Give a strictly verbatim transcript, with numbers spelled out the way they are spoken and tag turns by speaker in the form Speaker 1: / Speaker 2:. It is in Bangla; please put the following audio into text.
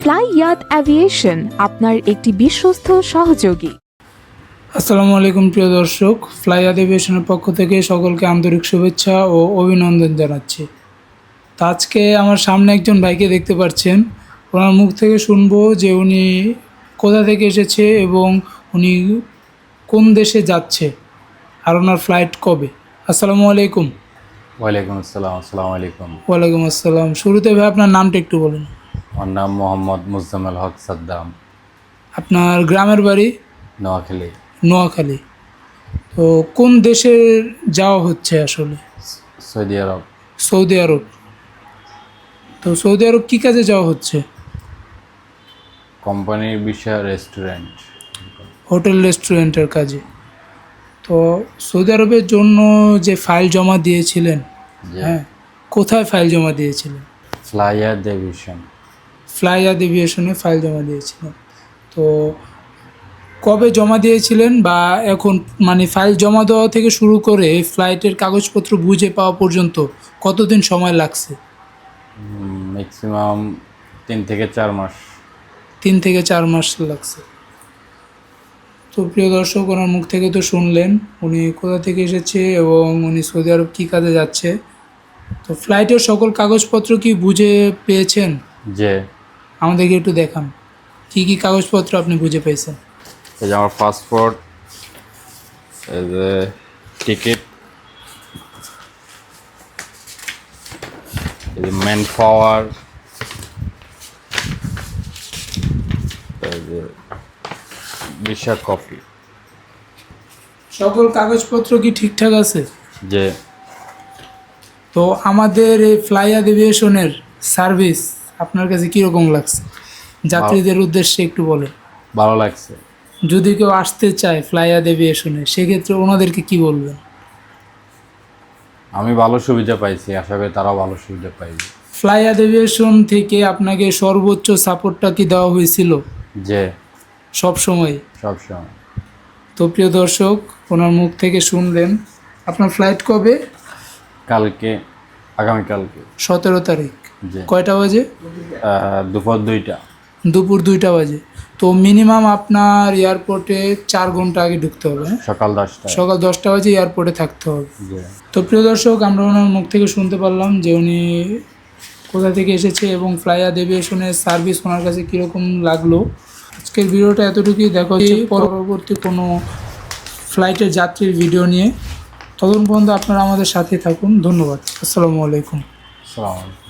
Speaker 1: ফ্লাইয়াত অ্যাভিয়েশন আপনার একটি বিশ্বস্ত সহযোগী।
Speaker 2: আসসালামু আলাইকুম প্রিয় দর্শক, ফ্লাইয়াত অ্যাভিয়েশনের পক্ষ থেকে সকলকে আন্তরিক শুভেচ্ছা ও অভিনন্দন জানাচ্ছি। তো আজকে আমার সামনে একজন ভাইকে দেখতে পাচ্ছেন। ওনার মুখ থেকে শুনবো যে উনি কোথা থেকে এসেছে এবং উনি কোন দেশে যাচ্ছে আর ওনার ফ্লাইট কবে। আসসালামু আলাইকুম।
Speaker 3: ওয়ালাইকুম আসসালাম। আসসালামু আলাইকুম।
Speaker 2: ওয়ালাইকুম আসসালাম। শুরুতে ভাই আপনার নামটা একটু বলুন।
Speaker 3: আমার নাম মোহাম্মদ মুজাম্মেল হক সাদ্দাম,
Speaker 2: আপনার গ্রামের বাড়ি?
Speaker 3: নোয়াখালী।
Speaker 2: নোয়াখালী। তো কোন দেশে যাওয়া হচ্ছে আসলে?
Speaker 3: Saudi Arab.
Speaker 2: Saudi Arab. তো সৌদি আরব কী কাজে যাওয়া হচ্ছে?
Speaker 3: কোম্পানির বিষয় রেস্টুরেন্ট,
Speaker 2: হোটেল রেস্টুরেন্টের কাজে। তো সৌদি আরবের জন্য যে ফাইল জমা দিয়েছিলেন, হ্যাঁ, কোথায় ফাইল জমা দিয়েছিলেন?
Speaker 3: Flyer division.
Speaker 2: ফ্লাইয়াত এভিয়েশনে ফাইল জমা দিয়েছিলেন। তো কবে জমা দিয়েছিলেন বা এখন মানে ফাইল জমা দেওয়া থেকে শুরু করে ফ্লাইটের কাগজপত্র বুঝে পাওয়া পর্যন্ত কতদিন সময় লাগছে?
Speaker 3: ম্যাক্সিমাম তিন থেকে চার মাস।
Speaker 2: তিন থেকে চার মাস লাগছে। তো প্রিয় দর্শক, ওনার মুখ থেকে তো শুনলেন উনি কোথা থেকে এসেছে এবং উনি সৌদি আরব কী কাজে যাচ্ছে। তো ফ্লাইটের সকল কাগজপত্র কি বুঝে পেয়েছেন?
Speaker 3: যে
Speaker 2: আমাদেরকে একটু দেখান কি কি কাগজপত্র আপনি বুঝে পেয়েছেন।
Speaker 3: এই যে আমার পাসপোর্ট, এই যে টিকিট, এই যে ম্যান পাওয়ার, এই যে ভিসা কপি।
Speaker 2: সকল কাগজপত্র কি ঠিকঠাক আছে?
Speaker 3: যে
Speaker 2: তো আমাদের এই ফ্লাইয়াত এভিয়েশনের সার্ভিস আপনার কাছে কীরকম লাগছে? যাত্রীদের উদ্দেশ্যে একটু বলেন।
Speaker 3: ভালো লাগছে।
Speaker 2: যদি কেউ আসতে চায় ফ্লাইয়াত এভিয়েশনে, সেক্ষেত্রে ওনাদেরকে কি বলবেন?
Speaker 3: আমি ভালো সুবিধা পাইছি, আশা করি তারাও ভালো সুবিধা পাইবে।
Speaker 2: ফ্লাইয়াত এভিয়েশন থেকে আপনাকে সর্বোচ্চ সাপোর্টটা কি দেওয়া হয়েছিল?
Speaker 3: যে
Speaker 2: সব সময়?
Speaker 3: সব সময়।
Speaker 2: তো প্রিয় দর্শক, ওনার মুখ থেকে শুনলেন। আপনার ফ্লাইট কবে?
Speaker 3: কালকে, আগামীকালকে
Speaker 2: সতেরো তারিখ।
Speaker 3: যে
Speaker 2: কয়টা বাজে?
Speaker 3: আহ, দুপুর দুইটা।
Speaker 2: দুপুর দুইটা বাজে। তো মিনিমাম আপনার এয়ারপোর্টে চার ঘন্টা আগে ঢুকতে হবে, হ্যাঁ?
Speaker 3: সকাল দশটা।
Speaker 2: সকাল দশটা বাজে এয়ারপোর্টে থাকতে হবে।
Speaker 3: যে
Speaker 2: তো প্রিয় দর্শক, আমরা ওনার মুখ থেকে শুনতে পারলাম যে উনি কোথা থেকে এসেছে এবং ফ্লাইয়াত এভিয়েশনের সার্ভিস ওনার কাছে কীরকম লাগলো। আজকের ভিডিওটা এতটুকুই। দেখা হচ্ছে পরবর্তী কোনো ফ্লাইটের যাত্রীর ভিডিও নিয়ে। ততক্ষণ পর্যন্ত আপনারা আমাদের সাথে থাকুন। ধন্যবাদ। আসসালামু আলাইকুম।
Speaker 3: সালাম।